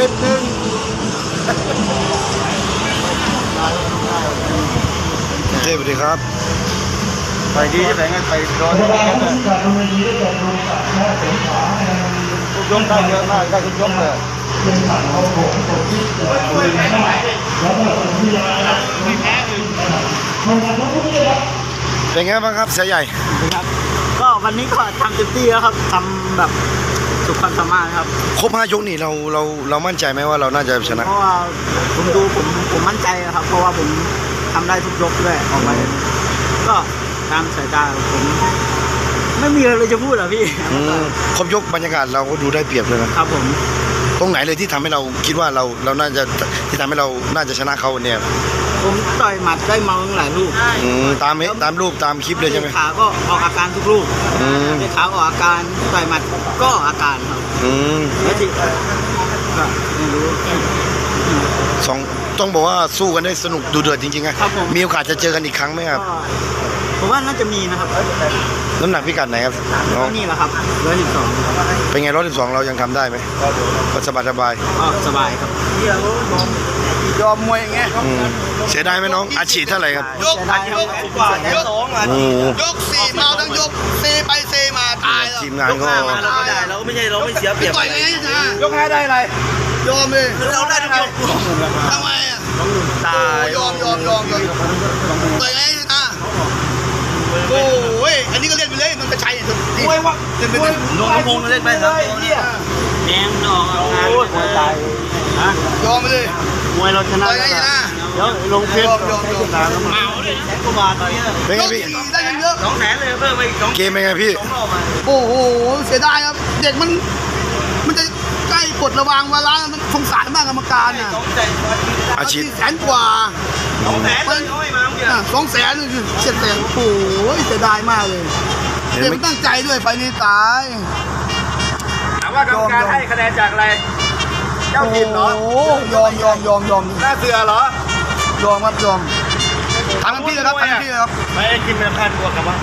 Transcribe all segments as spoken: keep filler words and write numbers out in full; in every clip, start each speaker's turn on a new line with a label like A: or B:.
A: สิบหนึ่งเจ๊สวัสดีครับไปดีจะไปไงไปรอทุกยกได้เยอะมากได้ทุกยกเลยเป็นไงบ้างครับเสียใหญ่
B: ครับก็วันนี้ก็ทำเต็มที่แล้วครับทำแบบสุดความสามารถครับ
A: ครบห้ายกนี่เราเราเรามั่นใจไหมว่าเราน่าจะชนะ
B: เพราะว่าผมดูผมผมมั่นใจครับเพราะว่าผมทำได้ทุกยกด้วยออกมาก็ตามสายตาผมไม่มีอะไรจะพูดหรอพี่
A: ครบยกบรรยากาศเราก็ดูได้เปรียบเลยนะครับ
B: ผม
A: ตรงไหนเลยที่ทำให้เราคิดว่าเราเราน่าจะที่ทำให้เราน่าจะชนะเขาเนี่ย
B: ผมต่อยหมัดได้เมาหลายลูก
A: ตามตามรูปตามคลิปเลยใช่ไหม
B: ขาก็ออกอาการทุกลูกขาออกอาการต่อยหมัดก็ออกอาการครับแล้วที่ก็ไม่รู้
A: สองต้องบอกว่าสู้กันได้สนุกดูเดือดจริงๆนะมีโอกาสจะเจอกันอีกครั้งไหมครับ
B: ผมว่าน่าจะมีนะครับ
A: น้ำหนักพิกัดไหนครับ
B: นี่แหละครับร้อยสิบสอง
A: เป็นไงร้อยสิบสองเรายังทำได้ไหมก็สบายสบาย
B: สบายครับยอมมวยอย่างเงี้ย
A: เสียดายไหมน้องอาชีพเท่าไหร่ครับ
C: ยกยกยกสองยกสี่มาทั้งยกเซไปเซมาตายแล้ว
A: ทีมงานก็
B: เราไม่ได้เราไม่ใช่เราไม่เสียเปรียบ
C: ต่อยไงนะ
B: ยกแพ้ได้อะไร
C: ยอมเลย
B: เราได้ทุกยก
C: ทำไมอ่ะ
B: ตาย
C: ยอมยอมยอมยอมต่อยไงนะโอ้ยอันนี้ก็เล่นไปเลยมันกระชัย
B: มวยวะ
C: เล่นไป
B: โดนพงเล่นไปครับแดงนอกงานมวยตาย
C: ยอมไปเลย
B: มวยเราชนะ
C: ต่อยไงนะ
B: เดี๋ยวลงเพชรยอมยอมเมาเลยแสนกว่าบาทตอนนี้
A: เป็นไงพี่
C: ได้เยอะ
B: สองแสนเลยเพิ่มไปอีกสอง
A: เกมเป็นไงพี่
C: โอ้โหเสียดายครับเด็กมันมันจะใกล้กดระวังเวลามันสงสารมากกรรมการน่ะ
A: อาชีพ
C: แสนกว่า
B: สองแสนเลยเขาให้มาเมื่อกี้
C: สองแสนเจ็ดแสนโอ้โหเสียดายมากเลยเด็กมันตั้งใจด้วยไฟนี้ตาย
B: ถามว่ากรรมการให้คะแนนจากอะไรเจ้าทีมเหรอ
C: โอ้ยอมยอมยอมยอม
B: หน้าเสือเหร
C: อยอมครับยอมทำพี่เลยครับทำพี่เลยครับ
B: ไม่กินเป็นพันกว่ากับว่า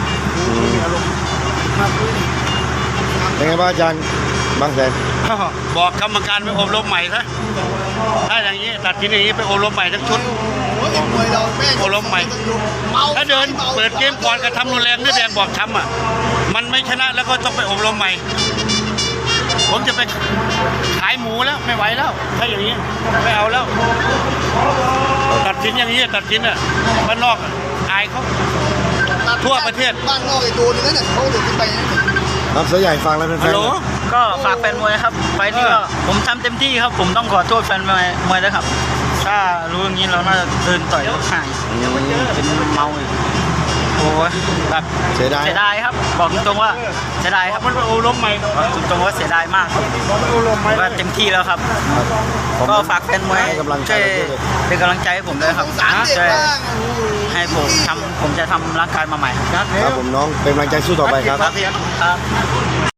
A: เป็นไงบ้างอาจารย์บางแสน
B: บอกกรรมการไปอบรมใหม่ซะถ้าอย่างนี้ตัดสินอย่างนี้ไปอบรมใหม่ทั้งชุดอบรมใหม่ถ้าเดินเปิดเกมก่อนกระทำรุนแรงนี่แดงบอกช้ำอ่ะมันไม่ชนะแล้วก็ต้องไปอบรมใหม่ผมจะไปขายหมูแล้วไม่ไหวแล้วถ้าอย่างนี้ไม่เอาแล้วตัดสินอย่างนี้ตัดสินอ่ะบ้านนอกอายเขาทั่วประเทศ
C: บ้านนอกไอ้ตัวนึงนั่นเนี่ยเขาเดือดไป
A: ครับเสือใหญ่ฟังแล้วเป็นแฟน
B: ก็ฝากแฟนมวยครับไฟนี้ก็ผมทำเต็มที่ครับผมต้องขอโทษแฟนมวยมวยด้วยครับถ้ารู้อย่างนี้เราน่าจะเดินต่อยรถห่างเป็นเมาอีกโอ้ยแบบ
A: เสียดาย
B: เสียดายครับบอกตรงๆว่าเสียดายครับมันโอล้มใหม่ตรงๆว่าเสียดายมากว่าเต็มที่แล้วครับก็ฝากแฟนมวยช่วยเป็นกำลังใจให้ผมด้วยครับช่วยให้ผมทำผมจะทำร่างกายมาใหม่
A: ครับผมน้องเป็นกำลังใจสู้ต่อไปครับ
B: ครับ